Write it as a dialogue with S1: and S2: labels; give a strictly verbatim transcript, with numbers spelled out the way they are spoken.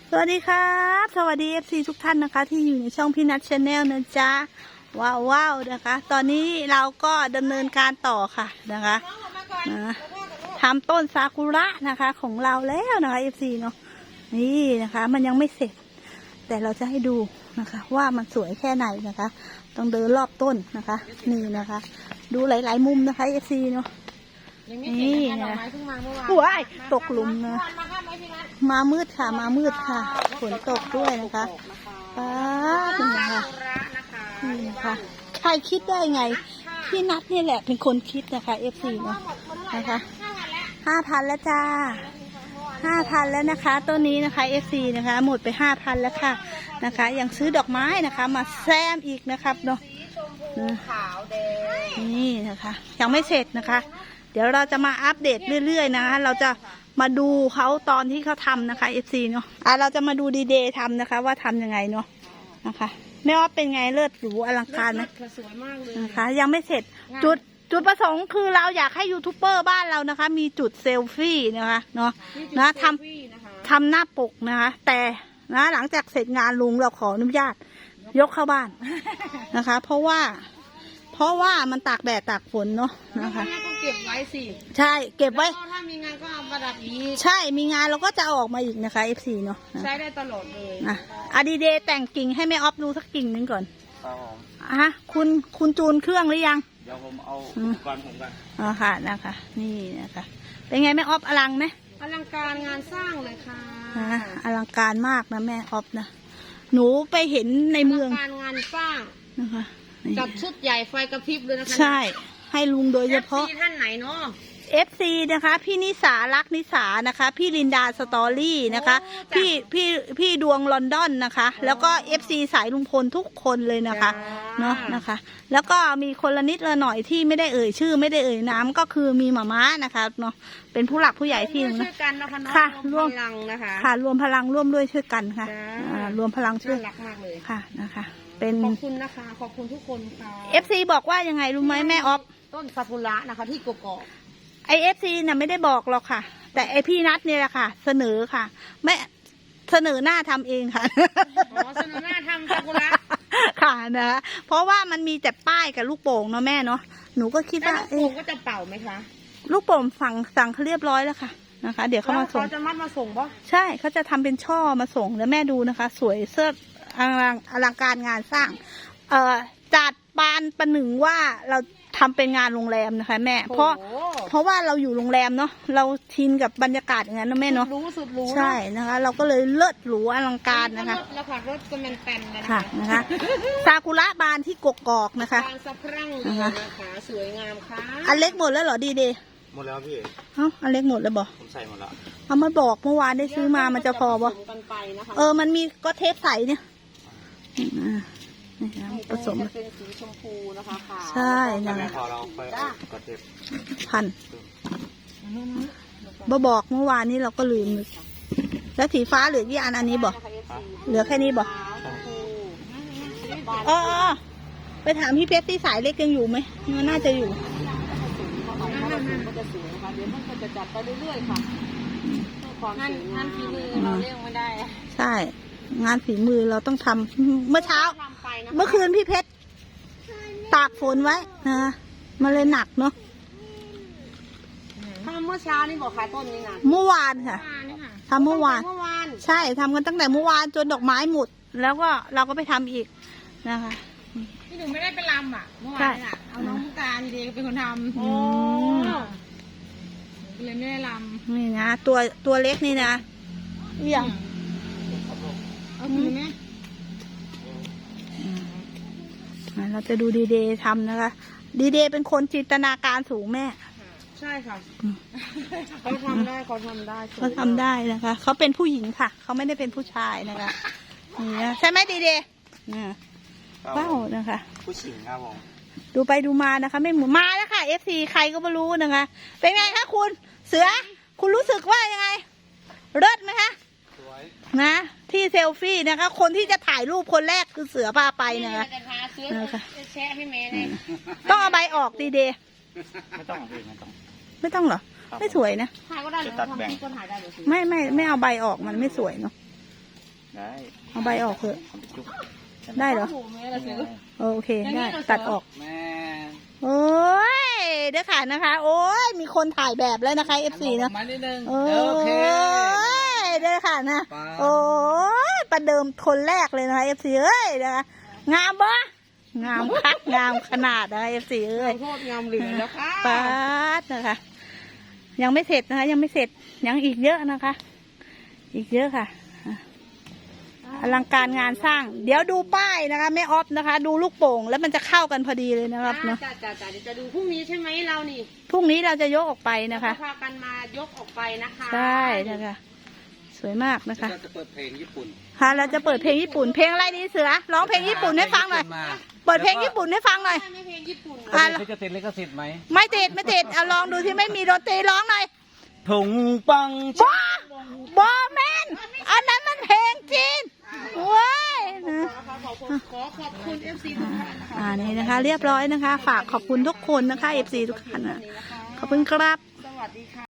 S1: สวัสดีครับสวัสดี เอฟ ซี ทุกท่านนะคะที่อยู่ในช่องพี่นัทชาแนลนะจ๊ะว้าวว้าวนะคะตอนนี้เราก็ดำเนินการต่อค่ะนะคะนะทำต้นซากุระนะคะของเราแล้วนะคะ เอฟ ซี เนาะนี่นะคะมันยังไม่เสร็จแต่เราจะให้ดูนะคะว่ามันสวยแค่ไหนนะคะต้องเดินรอบต้นนะคะนี่นะคะดูหลายๆมุมนะคะ เอฟ ซี เนาะนี่นะว้ายตกหลุมนะมามืดค่ะมามืดค่ะฝนตกด้วยนะคะป้าเป็นไงคะนี่นะคะใครคิดได้ไงพี่นัทนี่แหละเป็นคนคิดนะคะ เอฟ ซี เนาะนะคะห้าพันแล้วจ้าห้าพันแล้วนะคะต้นนี้นะคะ เอฟ ซี นะคะหมดไปห้าพันแล้วค่ะนะคะยังซื้อดอกไม้นะคะมาแซมอีกนะครับเนาะนี่นะคะยังไม่เสร็จนะคะเดี๋ยวเราจะมาอัปเดตเรื่อยๆนะคะเราจะมาดูเขาตอนที่เขาทำนะคะ เอฟ ซี เนาะอ่ะเราจะมาดูดีเดย์ทำนะคะว่าทำยังไงเนาะนะคะแม่ว่าเป็นไงเลิศหรูอลังการไหมสวยมากเลยนะคะยังไม่เสร็จจุดจุดประสงค์คือเราอยากให้ยูทูบเบอร์บ้านเรานะคะมีจุดเซลฟี่นะคะเนาะนะทำทำหน้าปกนะคะแต่นะหลังจากเสร็จงานลุงเราขออนุญาตยกเข้าบ้านนะคะเพราะว่าเพราะว่ามันตากแดดตากฝนเนาะนะคะ
S2: ก็เก็บไว้สิ
S1: ใช่เก็บไว้
S2: ถ้ามีงานก็เอาประดับอีก
S1: ใช่มีงานเราก็จะเอาออกมาอีกนะคะ เอฟ ซี เนาะ
S2: ใช้ได้ตลอดเลย
S1: อ่ะอะดีเดย์แต่งกิ่งให้แม่ออฟดูสักกิ่งหนึ่งก่อน
S3: ครับผม
S1: อ่ะคุณคุณจูนเครื่องหรือยัง
S3: เดี๋ยวผมเอาอุปกรณ์ผมกัน
S1: อ๋อค่ะนะคะนี่นะคะเป็นไงแม่ออฟอลังไหม
S2: อลังการงานสร้างเลยค่ะ
S1: อ่ะอลังการมากนะแม่ออฟนะหนูไปเห็นในเมือง
S2: การงานสร้าง
S1: นะคะ
S2: กับชุดใหญ่ไฟกระพริบเลยนะคะ
S1: ใช่ให้ลุงโดยเฉพาะ
S2: เอฟซี ท่านไหนเนาะ
S1: เอฟ ซี นะคะพี่นิสารักนิสานะคะพี่ลินดาสตอรี่นะคะพี่พี่พี่ดวงลอนดอนนะคะแล้วก็ เอฟ ซี สายลุงพลทุกคนเลยนะคะเนาะนะคะแล้วก็มีคนละนิดละหน่อยที่ไม่ได้เอ่ยชื่อไม่ได้เอ่ยน้ำก็คือมีหม่าม้านะคะเนาะเป็นผู้หลักผู้ใหญ่ที่
S2: ช่วยกันนะคะ
S1: ค่ะ
S2: รวมพลังนะคะ
S1: ค่ะรวมพลังร่วมด้วยช่วยกันค่ะรวมพลังช่วย
S2: รักมากเลย
S1: ค่ะนะคะเป็น
S2: ขอบคุณนะคะขอบคุณทุกคนค่ะ
S1: เอฟ ซี บอกว่ายังไงรู้ไหมแม่ออฟ
S2: ต้นซากุระนะคะที่กกอก
S1: ไอเอฟซีน่ะไม่ได้บอกหรอกค่ะแต่ไอพี่นัทเนี่ยแหละค่ะเสนอค่ะไม่เสนอหน้าทำเองค่ะ
S2: อ๋อเสนอหน้าทำซากุระ
S1: ค่ะนะเพราะว่ามันมีแต่ป้ายกับลูกโป่งเนาะแม่เนาะหนูก็คิดว่า
S2: ลูกโป่งก็จะเป่าไหมคะ
S1: ลูกโป่งสั่งสั่งเขาเรียบร้อยแล้วค่ะนะคะเดี๋ยวเขามาส่ง
S2: เขาจะมัดมาส่งปะ
S1: ใช่เขาจะทำเป็นช่อมาส่งแล้วแม่ดูนะคะสวยเสื้ออลังอลังการงานสร้างเอ่อจัดปานประหนึ่งว่าเราทำเป็นงานโรงแรมนะคะแม่เพราะเพราะว่าเราอยู่โรงแรมเนาะเราชินกับบรรยากาศอย่างนั้นนะแม่เนาะ
S2: รู้สุดรู้
S1: ใช่นะคะเราก็เลยเลิศหรูอลังการนะคะ
S2: แล้วค่ะรถก็มันแป้นเลย
S1: ค่ะนะคะซากุระบานที่กกอกนะคะ
S2: บานสะพรั่งเลยนะคะสวยงามค่ะ
S1: อันเล็กหมดแล้วเหรอดีเดย์
S3: หมดแล้วพี่
S1: เอ้าอันเล็กหมดแล้วบอก
S3: ผมใส่หมดแล้ว
S1: เอามาบอกเมื่อวานได้ซื้อมามันจะพอบ่เออมันมีก็เทปใสเนี่ยผสม
S2: เป็นสีชมพูนะคะค่ะ
S1: ใช่นะ
S3: พอเราไปกดเทป
S1: พันบ่บอกเมื่อวานนี้เราก็ลืมแล้วสีฟ้าเหลือกี่อันอันนี้บอกเหลือแค่นี้บอกอ๋อไปถามพี่เพชรที่สายเล็กยังอยู่ไหมน่าจะอยู่
S2: ก็จะสวยนะคะเดี๋ยวมันก็จะจัดไปเรื่อยๆค่ะงานงานฝีมือเราเลี้ยงไม่ได้
S1: ใช่งานฝีมือเราต้องทำเมื่อเช้าเมื่อคืนพี่เพชรตากฝนไว้นะมันเลยหนักเนาะ
S2: ทำเมื่อเช้านี่บอกขายต้นนี้นะ
S1: เมื่อวานค่ะทำเมื่อวานใช่ทำกันตั้งแต่เมื่อวานจนดอกไม้หมดแล้วก็เราก็ไปทำอีกนะคะ
S2: พี่หนูไม่ได้ไปรำอ่ะเมื่อวานอ่ะเอาน้องมุกตาดีเด็กเป็นคนทำโอ้เลยไม่ได้รำ
S1: นี่นะตัวตัวเล็กนี่นะเบี่ยง
S2: เอาดีไหม
S1: เราจะดูดีเดย์ทำนะคะดีเดย์เป็นคนจินตนาการสูงแม่
S2: ใช่ค่ะเขาทำได้เขาทำได้
S1: เขาทำได้นะคะเขาเป็นผู้หญิงค่ะเขาไม่ได้เป็นผู้ชายนะคะนี่ใช่ไหมดีเดย์เป้านะคะ
S3: ผู้หญิงครับผม
S1: ดูไปดูมานะคะไม่เหมือนมาแล้วค่ะ เอฟ ซี ใครก็ไม่รู้นะคะเป็นไงคะคุณเสือคุณรู้สึกว่ายังไงเลิศไหมคะนะที่เซลฟี่นะคะคนที่จะถ่ายรูปคนแรกคือเสือพาไปนะคะ
S2: นะคะแชะให้แม่เลย
S1: ต้องเอาใบออกดีเดย์
S3: ไม่ต้องไม่ต้อง
S1: ไม่ต้องเหรอไม่สวยนะ
S2: ถ่ายก็ได้หรือทำที่ก็ถ่ายได้หรือ
S1: ไม่ไม่ไม่เอาใบออกมันไม่สวยเนาะ
S3: ได้
S1: เอาใบออกเถอะ
S3: ทำไปจุ๊บ
S1: ได้เหรอ
S2: โอ้โหแม่ละเสือ
S1: โอเคได้ตัดออก
S3: แม่
S1: โอ้ยเดี๋ยวค่ะนะคะ โอ้ยมีคนถ่ายแบบแล้วนะคะ เอฟ ซี นะ
S3: มานิดนึง
S1: โอ้
S3: โอเค
S1: ยเดี๋ยวค่ะนะ
S3: ไป
S1: โอ้ยประเดิมคนแรกเลยนะคะ เอฟ ซี เอ้ยนะคะงามปะงามคักงามขนาดนะคะ เอฟ ซี เอ้ย
S2: ขอโทษงามเหลือแล้วค่ะ
S1: ปาดนะคะ ยังไม่เสร็จนะคะ ยังไม่เสร็จยังอีกเยอะนะคะ อีกเยอะค่ะอ่ะอลังการงานสร้าง เดี๋ยวดูป้ายนะคะแม่ออฟนะคะ ดูลูกโป่งแล้วมันจะเข้ากันพอดีเลยนะครับเนาะ
S2: จ้าจ้าจ้าเดี๋ยวจะดูพรุ่งนี้ใช่ไหมเรานี่
S1: พรุ่งนี้เราจะยกออกไปนะคะ
S2: พากันมายกออกไปนะคะ
S1: ใช่นะคะ สวยมากนะคะ
S3: เราจะเปิดเพลงญี่ปุ่น
S1: ค่ะเราจะเปิดเพลงญี่ปุ่นเพลงอะไรดีเสือร้องเพลงญี่ปุ่นให้ฟังหน่อยเปิดเพลงญี่ปุ่นให้ฟังหน่อย
S2: ไม่เพลงญี่ปุ่น
S1: อ่ะ
S3: เขาจะติดลิขสิทธิ์ไหม
S1: ไม่ติดไม่ติดเอาลองดูที่ไม่มีดนตรีร้องหน่อย
S3: ถุงปัง
S1: บอบอแมนอันนั้นมันเพลงจีนเว้ยนะ
S2: ขอขอบคุณขอขอบคุณเอฟซีทุกท่านนะคะ
S1: อ่านี่นะคะ เรียบร้อยนะคะ ฝากขอบคุณทุกคนนะคะเอฟซีทุกท่านนะ
S2: นี่นะคะ
S1: ขอบคุณครับ
S2: สวัสดีค่ะ